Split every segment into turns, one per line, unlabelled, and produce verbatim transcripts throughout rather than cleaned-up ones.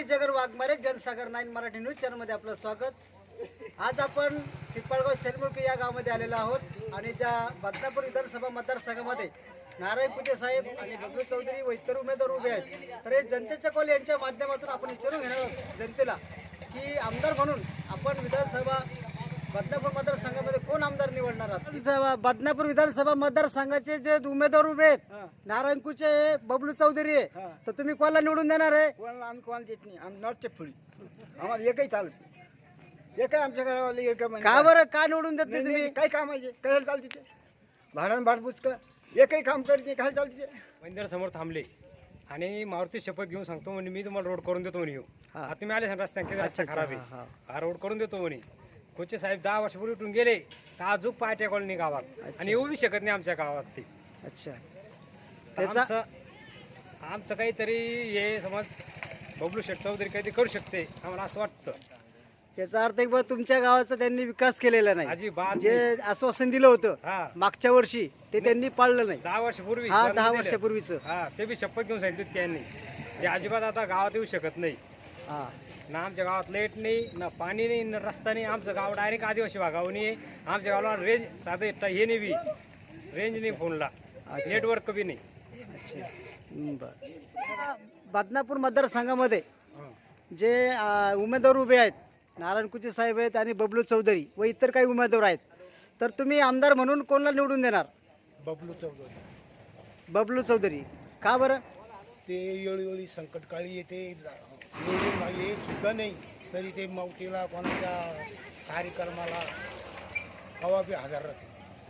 जगर Waghmare, Jansagar nine Marathi news चॅनलमध्ये आपलं स्वागत। आज आपण पिंपळगाव सेलमुळकी या गावामध्ये आलेलो आहोत आणि ज्या बदनापूर विधानसभा मतदारसंघामध्ये नारायण कुचे साहेब आणि बबलू चौधरी व इतर उमेदवार उभे आहेत, तर हे जनतेचा कौल यांच्या माध्यमातून आपण विचारून घेणार आहोत जनतेला की आमदार म्हणून आपण विधानसभा बदनापूर मतदारसंघामध्ये कोण आमदार निवडणार आहात। बदनापूर विधानसभा मतदारसंघाचे जे उमेदवार उभे आहेत नारायण कुचे, बबलू चौधरी आहे, तर तुम्ही कोणाला निवडून देणार आहे?
कोणाला आम्ही कोणाला देत नाही, आम्ही नॉटचे फुडी आम्हाला एकही चालत नाही, एकही आमच्या गावाला एक
का बरं का निवडून देत नाही तुम्ही?
काय काम आहे कशाला चालते ते भाडण भाडबूज का एकही काम करत नाही, काय चालते ते
मंदिर समोर थांबले आणि मारुती शपथ घेऊन सांगतो म्हणे मी तुम्हाला रोड करून देतो म्हणे येऊ आता तुम्ही आले रस्त्याने किती रस्ता खराब आहे हा रोड करून देतो म्हणे। कोचे साहेब दहा वर्षापूर्वी उठून गेले तर अजून पायट्या कॉलनी गावात आणि येऊ बी शकत नाही आमच्या गावात ते।
अच्छा,
आमचं आमचं काहीतरी हे समज बबलू शेठ चौधरी काहीतरी करू शकते आम्हाला असं वाटतं।
याचा अर्थ एक बा तुमच्या गावाचा त्यांनी विकास केलेला नाही,
अजिबात
जे आश्वासन दिलं होतं
हा
मागच्या वर्षी ते त्यांनी पाळलं नाही।
दहा वर्षापूर्वी
हा दहा वर्षापूर्वीच
हा ते बी शपथ घेऊन सांगितलं त्यांनी ते अजिबात आता गावात येऊ शकत नाही।
हा
ना आमच्या गावात लाईट नाही, ना पाणी नाही, ना रस्ता नाही। आमचं गाव डायरेक्ट आदिवासी भागावनी आहे। आमच्या गावाला रेंज साधे हे नाही बी रेंज नाही, फोनला नेटवर्क बी नाही।
अच्छा, बर। बदनापूर मतदारसंघामध्ये जे अं, उमेदवार उभे आहेत नारायण कुचे साहेब आहेत आणि बबलू चौधरी व इतर काही उमेदवार आहेत, तर तुम्ही आमदार म्हणून कोणाला निवडून देणार?
बबलू चौधरी।
बबलू चौधरी का बरं?
ते वेळोवेळी संकटकाळी येते, निवडून मागे सुद्धा नाही तरी ते मौतीला कोणाच्या कार्यक्रमाला हवा बी हजर राहते।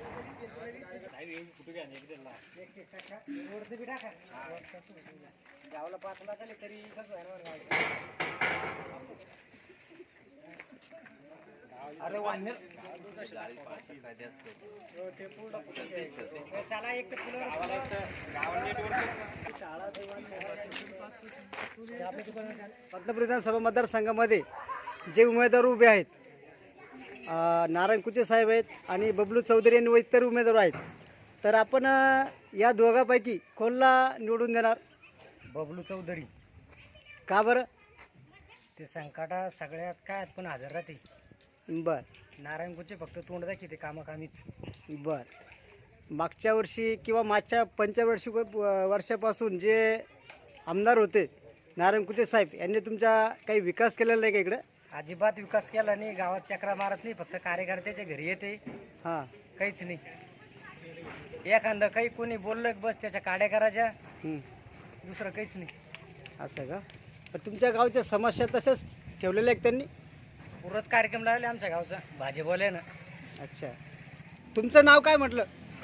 बदनापूर विधानसभा मतदारसंघामध्ये जे उमेदवार उभे आहेत अं, नारायण कुचे साहेब आहेत आणि बबलू चौधरी आणि व इतर उमेदवार आहेत, तर आपण अं, या दोघांपैकी कोणाला निवडून देणार?
बबलू चौधरी।
का बरं?
ते संकटा सगळ्यात काय पण हजर राहते।
बर
नारायण कुचे फक्त तोंड दाखवते कामाकामीच।
बर मागच्या वर्षी किंवा मागच्या पंचवर्षी वर्षापासून जे आमदार होते नारायण कुचे साहेब यांनी तुमचा काही विकास केलेला नाही का इकडं?
अजिबात विकास केला नाही, गावात चक्रा मारत नाही, फक्त कार्यकर्त्याच्या घरी येते,
हां
काहीच नाही। एखादं काही कोणी बोललं की बस त्याच्या काड्या करायच्या,
हं.
दुसरं काहीच नाही।
असं का? पण तुमच्या गावच्या समस्या तशाच ठेवलेल्या आहेत त्यांनी?
पुरच कार्यक्रम लावले आमच्या गावचा भाजीपाल्यानं।
अच्छा, तुमचं नाव काय म्हटलं?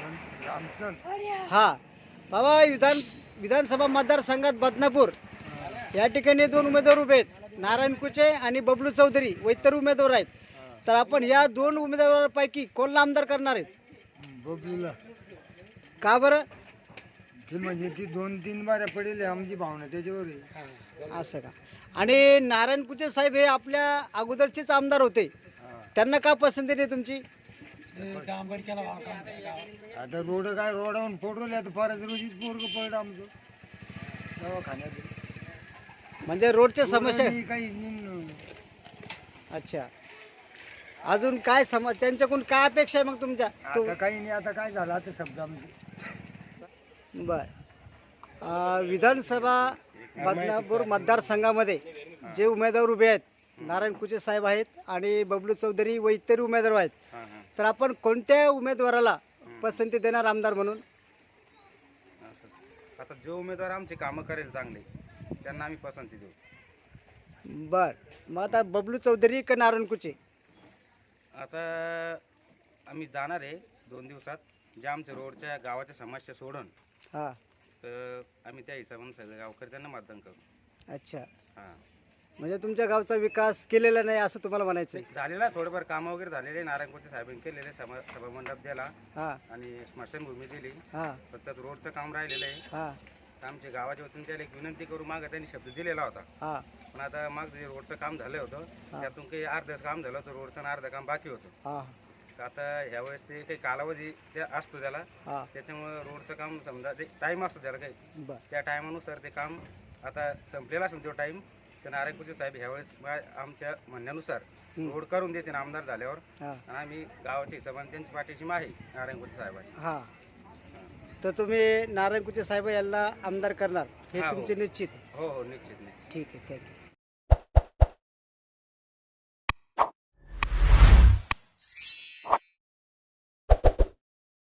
हा बाबा, विधान विधानसभा मतदारसंघात बदनापूर या ठिकाणी दोन उमेदवार उभे आहेत, नारायण कुचे आणि बबलू चौधरी व इतर उमेदवार आहेत, तर आपण या दोन उमेदवारांपैकी कोणाला आमदार करणार आहेत?
बबलूला
का बरं?
ते म्हणजे ती दोन तीन बाऱ्या पडेल आमची भावना त्याच्यावर आहे।
असं का? आणि नारायण कुचे साहेब हे आपल्या अगोदरचेच आमदार होते, त्यांना का पसंती नाही तुमची?
आता रोड काय रोडावरून फोडवले, आता परत रोजीच पोरग पडलं आमचं दवाखान्यात।
म्हणजे रोडच्या समस्या?
काही नाही।
अच्छा, अजून काय सम त्यांच्याकडून काय अपेक्षा आहे मग तुमच्या?
आता काही नाही, आता काय झालं आता शब्द आमचे।
बर अं, विधानसभा बदनापूर मतदारसंघामध्ये जे उमेदवार उभे आहेत नारायण कुचे साहेब आहेत आणि बबलू चौधरी व इतर उमेदवार आहेत, तर आपण कोणत्या उमेदवाराला पसंती देणार आमदार म्हणून?
आता जो उमेदवार आमचे कामं करेल चांगले त्यांना आम्ही पसंती देऊ।
बर, मग आता बबलू चौधरी का नारायण कुचे?
आता आम्ही जाणार आहे दोन दिवसात, जे आमच्या रोडच्या गावाच्या समस्या सोडून
हां
तर आम्ही त्या हिशोबाने सगळे गावकरी त्यांना मतदान करू।
अच्छा,
हां,
म्हणजे तुमच्या गावचा विकास केलेला नाही असं तुम्हाला म्हणायचं आहे?
झालेला थोडंफार कामं वगैरे झालेले, नारायण कुचे साहेबांनी केलेले, सभा सभामंडप दिला
हां
आणि स्मशानभूमी दिली,
हां
फक्त रोडचं काम राहिलेलं आहे।
हां
आमच्या गावाच्या वतीने त्याला एक विनंती करू, मागं त्यांनी शब्द दिलेला होता,
हां
पण आता मागं जे रोडचं काम झालं होतं त्यातून काही अर्धच काम झालं होतं, रोडचं आणि अर्धं काम बाकी होतं।
हां
तर आता ह्यावेळेस ते काही कालावधी ते असतो त्याला,
हां
त्याच्यामुळं रोडचं काम समजा ते टाईम असतो त्याला काही,
बर
त्या टायमानुसार ते काम आता संपलेला असेल तो टाईम, तर नारायणपूरचे साहेब ह्यावेळेस मा- आमच्या म्हणण्यानुसार रोड करून देते ना आमदार झाल्यावर.
हा
आणि आम्ही गावाच्या हिशोबाने त्यांची पाठीशी आहे नारायणपूरच्या साहेबाची.
हा तर तुम्ही नारायण कुचे साहेब यांना आमदार करणार हे
हा, हो.
तुमचे निश्चित आहे.
हो हो निश्चित निश्चित.
ठीक आहे, थँक्यू.